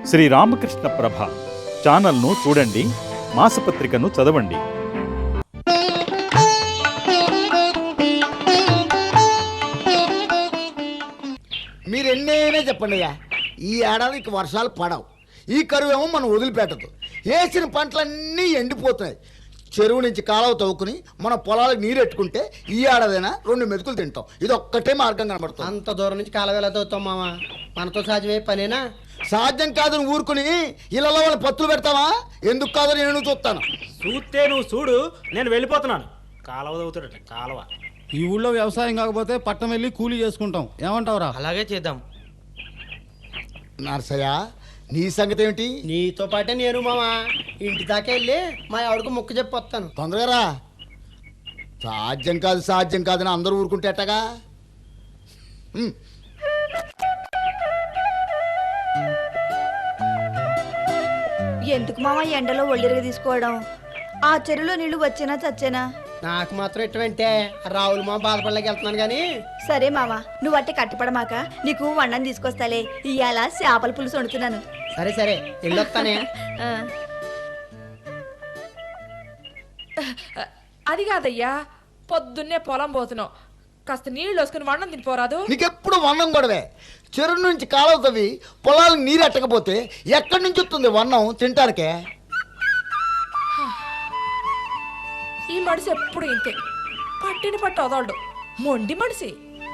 శ్రీ రామకృష్ణ ప్రభ ఛానల్ను చూడండి, మాసపత్రికను చదవండి. మీరు ఎన్నైనా చెప్పండి అయ్యా, ఈ ఏడాదికి వర్షాలు పడవు, ఈ కరువు ఏమో మనం వదిలిపెట్టదు. వేసిన పంటలన్నీ ఎండిపోతున్నాయి. చెరువు నుంచి కాలువ తవ్వుకుని మన పొలాలకు నీరు ఎట్టుకుంటే ఈ ఏడాదైనా 2 మెతుకులు తింటాం. ఇది ఒక్కటే మార్గం కనబడుతుంది. అంత దూరం నుంచి కాలువ ఎలా తవ్వుతాం మామ? మనతో సాధ్యమే పనేనా? సాధ్యం కాదని ఊరుకుని ఇళ్ళలో వాళ్ళు పత్తులు పెడతావా? ఎందుకు కాదని నేను చూస్తాను. చూస్తే నువ్వు చూడు, నేను వెళ్ళిపోతున్నాను. కాలువ తవ్వుతాడట, కాలువ. ఈ ఊళ్ళో వ్యవసాయం కాకపోతే పట్టణం వెళ్ళి కూలీ చేసుకుంటాం. ఏమంటావురా? అలాగే చేద్దాం. నర్సయ్య, నీ సంగతి ఏమిటి? నీతో పాటే నేను మామ ఇంటి దాకా వెళ్ళి మా ఆవిడకు మొక్కు చెప్పి వస్తాను. తొందరగా రా. సాధ్యం కాదని అందరూ ఊరుకుంటే ఎట్టగా? ఎందుకు మామ ఎండలో ఒళ్ళిరగ తీసుకోవడం? ఆ చెరువులో నీళ్లు వచ్చేనా చచ్చేనా? నాకు మాత్రం ఎటువంటి రావులు మా బాధపడలేక వెళ్తున్నాను కానీ. సరే మామ, నువ్వు అట్టే కట్టుపడమాక, నీకు వండని తీసుకొస్తాలే. ఇవాళ చేపల పులుసు వండుతున్నాను. సరే సరే వెళ్ళొస్తానే. అది కాదయ్యా, పొద్దున్నే పొలం పోతున్నావు, కాస్త నీళ్ళు వేసుకుని వండం తినిపోరాదు? నీకెప్పుడు వన్నం గొడవే. చెరువు నుంచి కాలువ తవ్వి పొలాలకు నీరు ఎట్టకపోతే ఎక్కడి నుంచి వస్తుంది వన్నం తింటానికే? ఈ మనిషి ఎప్పుడు ఇంతే, పట్టిని పట్టు వదలడు, మొండి మనిషి.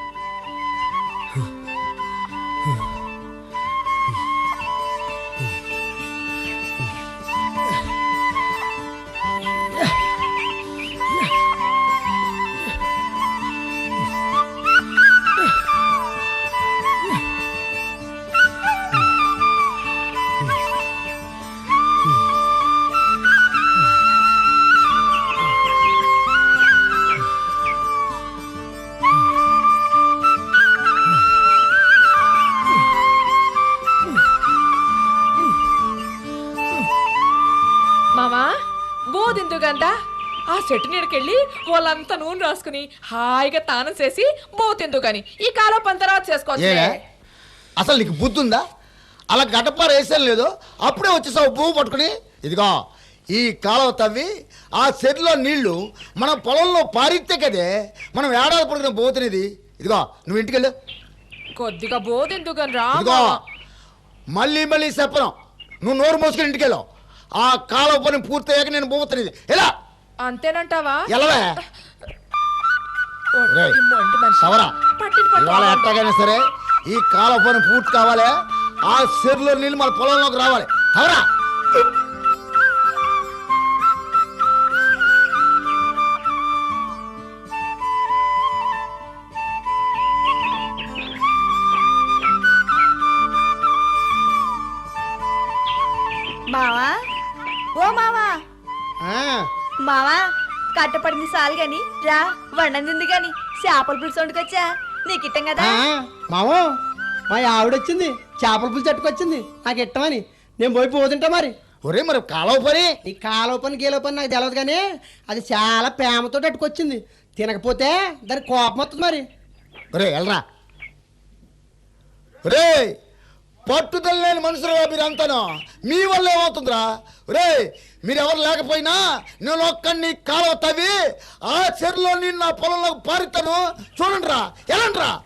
మామా బోదిందుగంట ఆ చెట్టు నీడకెళ్ళి వాళ్ళంతా నూనె రాసుకుని హాయిగా తానం చేసి బోతిందు గాని ఈ కాలం పంతరాత చేసుకోవచ్చు. అసలు నీకు బుద్ధి ఉందా? అలా గడపార వేసాను లేదో అప్పుడే వచ్చేసావు పువ్వు పట్టుకుని. ఇదిగో, ఈ కాలువ తవ్వి ఆ చెరువులో నీళ్లు మన పొలంలో పారితే కదే మనం ఏడాది పడుకున్న పోతున్నది. ఇదిగో, నువ్వు ఇంటికి వెళ్ళు. కొద్దిగా బోదిందుగని రా. ఇదిగో, మళ్ళీ చెప్పను. నువ్వు నోరు మోసుకుని ఇంటికి వెళ్ళావు. ఆ కాలువ పని పూర్తయ్యాక నేను పోతున్నది. ఎలా అంతేనంటావా? ఎలావే సవరా? ఇవాళ ఎట్టగైనా సరే ఈ కాలువ పని పూర్తి కావాలి. ఆ చెరువులో నీళ్ళు మన పొలంలోకి రావాలి. సవరా? మావా, ఓ మావా, మావా కట్టపడింది చాలు గాని రా, వండింది గాని చేపల పులుసు వండుకొచ్చా, నీకు ఇట్టం కదా. మామో, మా ఆవిడ వచ్చింది, చేపల పులుసు చట్టుకొచ్చింది, నాకు ఇట్టమని. నేను పోయి పోతుంటా మరి. ఒరే, మరి కాలువ పని? ఈ కాలువ పని గీలవ పని నాకు తెలియదు కానీ అది చాలా ప్రేమతో అట్టుకొచ్చింది. తినకపోతే దాని కోపం వస్తుంది మరి. ఒరే వెళ్ళరా. ఒరే, పట్టుదల లేని మనుషులుగా మీరు అంతాను. మీ వల్ల ఏమవుతుందిరా? ఒరే, మీరెవరు లేకపోయినా నేను ఒక్కడిని కాలువ తవ్వి ఆ చెరువులో నేను నా పొలంలోకి పారుతాను. చూడండి రా, ఎలాంటి రా.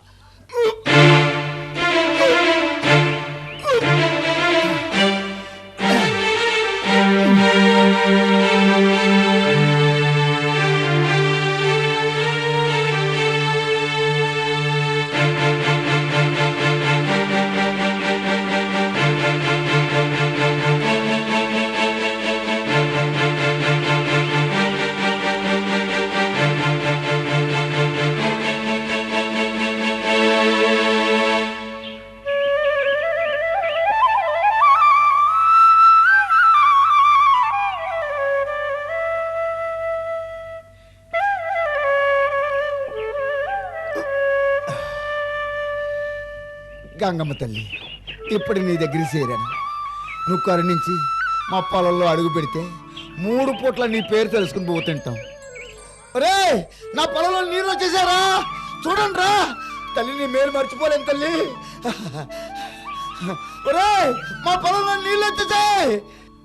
గంగమ్మ తల్లి, ఇప్పుడు నీ దగ్గరికి చేరాను. నువ్వు కరుణించి మా పొలంలో అడుగు పెడితే 3 పూట్ల నీ పేరు తెలుసుకుని పోతుంటాం. ఒరే, నా పొలంలో నీళ్ళు వచ్చేసారా? చూడండి రా తల్లి, నీ మేలు మర్చిపోలేను తల్లి. ఒరేయ్, మా పొలంలో నీళ్ళు వచ్చేసాయి.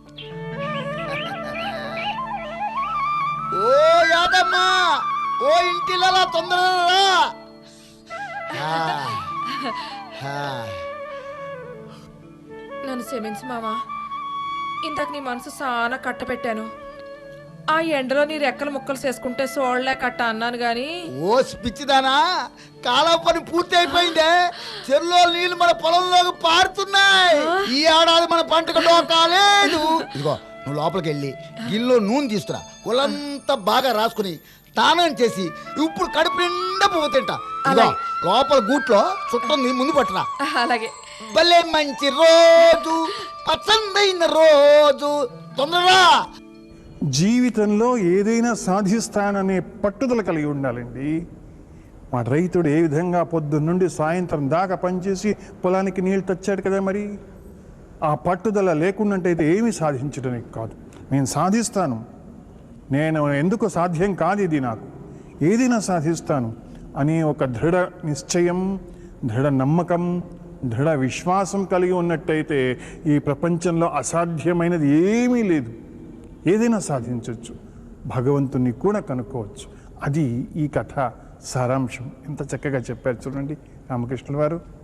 ఓ యాదమ్మా, ఓ ఇంటిలా తొందరగా నన్ను క్షమించు మావా. ఇంతకు నీ మనసు చాలా కట్టపెట్టాను. ఆ ఎండలో నీ రెక్కలు ముక్కలు చేసుకుంటే సోళ్లే కట్ట అన్నాను గాని. ఓ పిచ్చిదానా, కాలం పని పూర్తి అయిపోయిందే. చెరువులో నీళ్లు మన పొలంలోకి పారుతున్నాయి. ఈ ఏడాది మన పంటకు డోకాలేదు. ఇదిగో నువ్వు లోపలికి వెళ్ళి గిల్లో నూనె తీసుకురా. ఒళ్ళంతా బాగా రాసుకుని స్నానం చేసి ఇప్పుడు కడుపు నిండా పువ్వు తింటా. ఇదిగో లోపల గూట్లో చుట్టంది ముందు పట్టరా. అలాగే. భలే మంచి రోజు, పసందైన రోజు, తొందరగా. జీవితంలో ఏదైనా సాధిస్తాననే పట్టుదల కలిగి ఉండాలండి. మా రైతుడు ఏ విధంగా పొద్దున్నుండి సాయంత్రం దాకా పనిచేసి పొలానికి నీళ్ళు తెచ్చాడు కదా, మరి ఆ పట్టుదల లేకుండా అయితే ఏమీ సాధించడానికి కాదు. నేను సాధిస్తాను, నేను ఎందుకు సాధ్యం కాదు ఇది, నాకు ఏదైనా సాధిస్తాను అని ఒక దృఢ నిశ్చయం, దృఢ నమ్మకం, దృఢ విశ్వాసం కలిగి ఉన్నట్టయితే ఈ ప్రపంచంలో అసాధ్యమైనది ఏమీ లేదు. ఏదైనా సాధించవచ్చు, భగవంతుని కూడా కనుక్కోవచ్చు. అది ఈ కథ సారాంశం. ఎంత చక్కగా చెప్పారు చూడండి రామకృష్ణుల వారు.